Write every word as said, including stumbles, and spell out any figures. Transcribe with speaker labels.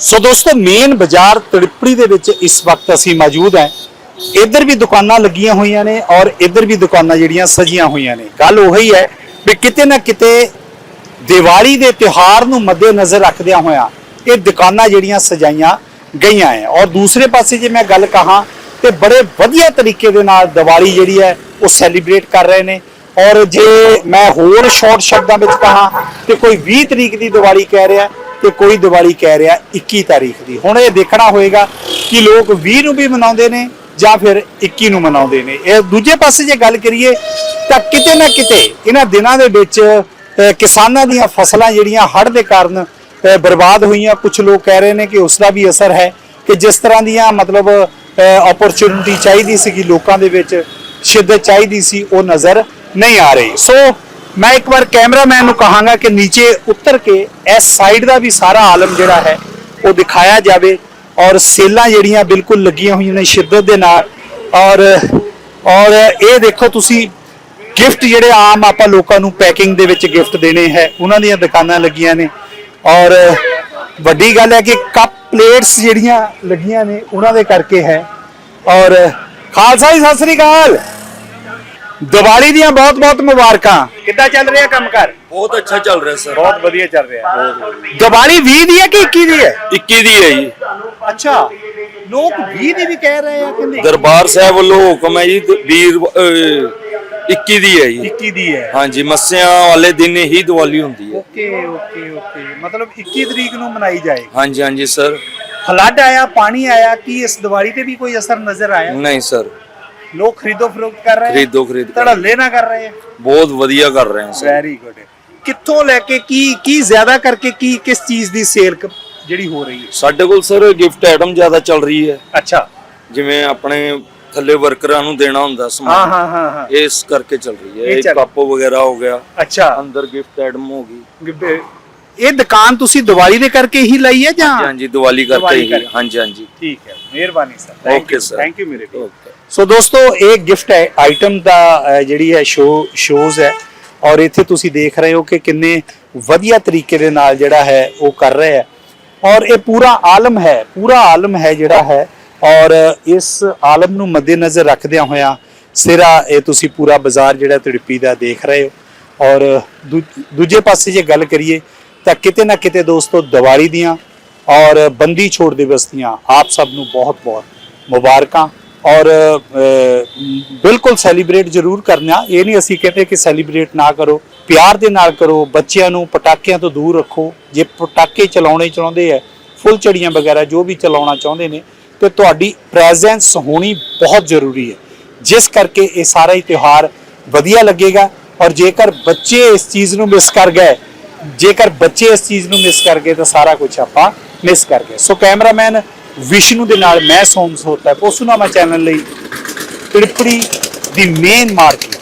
Speaker 1: सो दोस्तों मेन बाजार तड़िपड़ी दे विच इस वक्त असी मौजूद हैं। इधर भी दुकानां लगियां हुई ने और इधर भी दुकानां जिहड़ियां सजियां हुई ने। गल उही है भी किते ना किते दिवाली दे त्योहार नूं मद्देनज़र रखदियां होइयां ये दुकानां जिहड़ियां सजाईयां गईयां है। और दूसरे पासे जे मैं गल कहां तो बड़े वधिया तरीके दे नाल दिवाली जिहड़ी है वो सैलीब्रेट कर रहे हैं। और जे मैं होर शॉर्ट शब्दां विच कहां तो कोई बीस तरीक की दिवाली कह रहा तो कोई दिवाली कह रहा इक्की तारीख की। हुण ये देखना होएगा कि लोग बीस नूं भी मनाउंदे ने जां फिर इक्की नूं मनाउंदे ने। इह दूजे पासे जे गल करिए तां किते ना किते इन्हां दिनां दे विच किसानां दीयां फसलां जिहड़ियां हड़੍ਹ दे कारण बर्बाद हुईयां। कुछ लोग कह रहे हैं कि उसका भी असर है कि जिस तरह दीयां मतलब अपॉर्चुनिटी चाहिए सी लोगों के विच शिद्दत चाहिए सी वो नज़र नहीं आ रही। सो मैं एक बार कैमरामैन को कहांगा कि नीचे उतर के इस साइड का भी सारा आलम जिहड़ा है वो दिखाया जाए। और सेलां जिहड़ियां बिल्कुल लगियां हुई ने शिद्दत दे नाल। और और ये देखो तुसी गिफ्ट जिहड़े आम आपां लोकां नूं पैकिंग दे विच गिफ्ट देने है उन्हां दीयां दुकानां लगियां ने। और वड्डी गल है कि कप प्लेट्स जिहड़ियां लगियां ने उन्हां दे करके है। और खालसा जी सत श्री अकाल, दिवाली दियां बहुत बहुत मुबारकां। किद्दां चल रहा काम कर?
Speaker 2: बहुत अच्छा चल रहा है सर,
Speaker 1: बहुत वधिया चल रहा है। दिवाली बीस दी है कि इक्की दी है?
Speaker 2: इक्की दी है जी।
Speaker 1: अच्छा, लोग बीस दी भी कह रहे हैं कि
Speaker 2: दरबार साहब वालों हुक्म है जी बीस इक्की दी है जी।
Speaker 1: इक्की दी है?
Speaker 2: हाँ जी, मस्सियां वाले दिन ही दिवाली होती है।
Speaker 1: ओके ओके ओके, मतलब इक्की तरीक नूं मनाई जाएगी।
Speaker 2: हाँ जी हाँ जी सर।
Speaker 1: फ्लड आया, पानी आया, कि इस दिवाली पे भी कोई असर नजर आया?
Speaker 2: नहीं सर,
Speaker 1: लोग खरीदो फरोख्त कर रहे हैं,
Speaker 2: खरीदो खरीद
Speaker 1: धड़ल्ले ना कर रहे हैं।
Speaker 2: बहुत वधिया कर रहे हैं सर।
Speaker 1: Very good. कित्थों लेके की की ज्यादा करके की किस चीज दी सेल ਜਿਹੜੀ ਹੋ ਰਹੀ ਹੈ?
Speaker 2: ਸਾਡੇ ਕੋਲ ਸਰ ਗਿਫਟ ਆਈਟਮ ਜ਼ਿਆਦਾ ਚੱਲ ਰਹੀ ਹੈ।
Speaker 1: ਅੱਛਾ,
Speaker 2: ਜਿਵੇਂ ਆਪਣੇ ਥੱਲੇ ਵਰਕਰਾਂ ਨੂੰ ਦੇਣਾ ਹੁੰਦਾ ਸਮਾਨ।
Speaker 1: ਹਾਂ ਹਾਂ ਹਾਂ ਹਾਂ,
Speaker 2: ਇਸ ਕਰਕੇ ਚੱਲ ਰਹੀ ਹੈ। ਇਹ ਕੱਪ ਵਗੈਰਾ ਹੋ ਗਿਆ।
Speaker 1: ਅੱਛਾ,
Speaker 2: ਅੰਦਰ ਗਿਫਟ ਆਈਟਮ ਹੋ ਗਈ।
Speaker 1: ਇਹ ਦੁਕਾਨ ਤੁਸੀਂ ਦੀਵਾਲੀ ਦੇ ਕਰਕੇ ਹੀ ਲਈ ਹੈ ਜਾਂ?
Speaker 2: ਹਾਂਜੀ, ਦੀਵਾਲੀ ਕਰਕੇ ਹੀ। ਹਾਂਜੀ ਹਾਂਜੀ,
Speaker 1: ਠੀਕ ਹੈ, ਮਿਹਰਬਾਨੀ sir.
Speaker 2: Okay sir,
Speaker 1: thank you ਮੇਰੇ ਕੋਲ। ਸੋ ਦੋਸਤੋ ਇਹ ਗਿਫਟ ਆਈਟਮ ਦਾ ਜਿਹੜੀ ਹੈ ਸ਼ੋ ਸ਼ੋਜ਼ ਹੈ। ਔਰ ਇੱਥੇ ਤੁਸੀਂ ਦੇਖ ਰਹੇ ਹੋ ਕਿ ਕਿੰਨੇ ਵਧੀਆ ਤਰੀਕੇ ਦੇ ਨਾਲ ਜਿਹੜਾ ਹੈ ਉਹ ਕਰ ਰਹੇ ਹੈ। और ये पूरा आलम है, पूरा आलम है जिहड़ा है। और इस आलम नूं मद्देनज़र रखदियां होया सिरा ये तुसी पूरा बाजार जिहड़ा तड़िपी दा देख रहे हो। और दू, दूजे पासे जे गल करिए तां किते ना किते दोस्तों दिवाली दियां और बंदी छोड़ दिवस दियां आप सब नूं बहुत बहुत मुबारकां। और बिल्कुल सैलीब्रेट जरूर करना। ये नहीं असी कहते कि सैलीब्रेट ना करो, प्यार दे नाल करो। बच्चों नूं पटाकियां तो दूर रखो। जे पटाके चलाने चाहते हैं, फुलझड़ियां वगैरह जो भी चलाना चाहते हैं तो तुहाडी प्रेजेंस होनी बहुत जरूरी है, जिस करके ये सारा ही त्यौहार वधिया लगेगा। और जेकर बच्चे इस चीज़ नूं मिस कर गए, जेकर बच्चे इस चीज़ नूं मिस कर गए तो सारा कुछ आपां मिस कर गए। सो कैमरामैन विष्णु दे नाल मैं सोम सोता पोसूनामा चैनल लई तड़िपड़ी दी मेन मार्केट